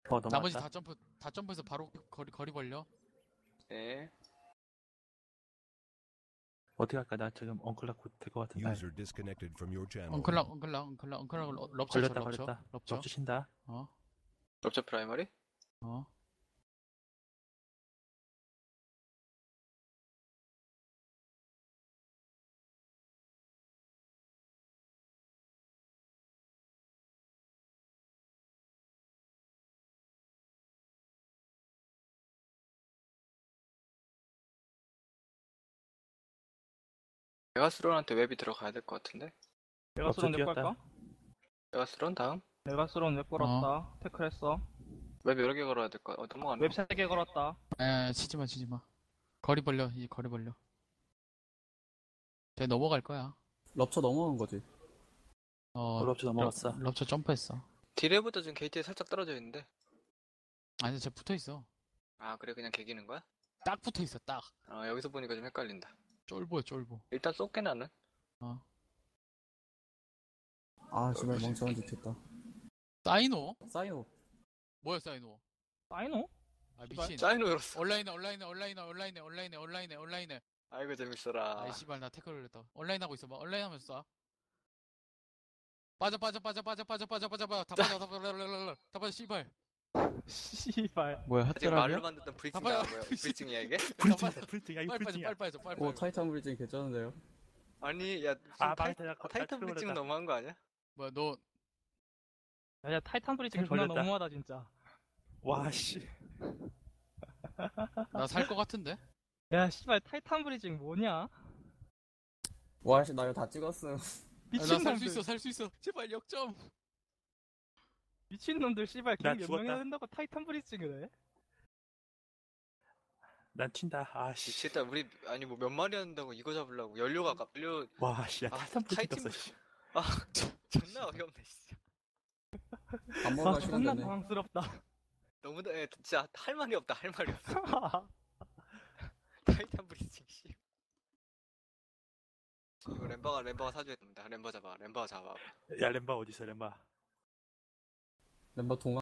나머지 넘어갔다. 다 점프해서 바로 거리 벌려. 네. 어떻게 할까? 나 지금 엉클락 될것 같은데. User disconnected from your channel. 엉클락 럽쳐 쳐, 걸렸다. 럽쳐. 럽쳐 친다. 럽처 프라이머리? 메가스론한테 웹이 들어가야 될 것 같은데? 메가스론 내 뛰었다. 걸까? 메가스론 다음? 메가스론 웹 걸었다. 태클했어. 웹 여러 개 걸어야 될 것 같아. 넘어가네. 웹 3개 걸었다. 치지마. 거리 벌려, 이제 거리 벌려. 쟤 넘어갈 거야. 럽쳐 넘어간 거지. 럽쳐 넘어갔어. 럽쳐 점프했어. 디레보다 지금 게이트에 살짝 떨어져 있는데. 아니, 쟤 붙어 있어. 아, 그래, 그냥 개기는 거야? 딱 붙어 있어, 딱. 여기서 보니까 좀 헷갈린다. 쫄보야, 쫄보. 일단 쏠게, 나는. 아, 정말 멍청한 짓 했다. 사이노? 사이노. 뭐야, 사이노? 사이노? 미친. 사인으로 열었어. 온라인에. 아이고, 재밌어라. 아이, 씨발, 나 태클을 했다. 온라인 하고 있어 봐. 온라인 하면서 쏴. 빠져. 다 빠져, 씨발. 씨발. 뭐야, 지금 말로 핫테라냐? 만든 브리징 봐봐요. 뭐야? 브리징이야, 이게? 불등이야, 이 빨리 불등이야. 빠져. 오, 타이탄 브리징 개쩌는데요? 아니, 야, 아, 무슨 망했다. 타이탄 브리징은 너무한 거 아니야? 뭐야, 너, 야, 타이탄 브리징 태클 존나 걸렸다. 너무하다, 진짜. 와, 씨. 나 살 거 같은데? 야, 씨발, 타이탄 브리징 뭐냐? 와, 씨, 나 이거 다 찍었음. 나 살 수 미친놈들. 있어. 제발, 역점. 미친놈들, 씨발, 나 갱몇 명이나 죽었다. 된다고 타이탄 브리징을 해? 난 튄다. 아, 씨. 미치겠다. 우리, 아니, 뭐 몇 마리 한다고 이거 잡으려고. 연료. 와, 씨. 야, 아, 타이탄 불등 타이탄 떴어, 씨. 존나 어이없네, 진짜. 밥 먹을 아, 시간 존나 됐네. 당황스럽다. 너무, 진짜 할 말이 없다, 할 말이 없어. 타이탄 브리징, 씨. 이거 램버가 사줘야 됩니다. 램버 잡아. 야, 렘바 어딨어, 렘바. 멤버 동화.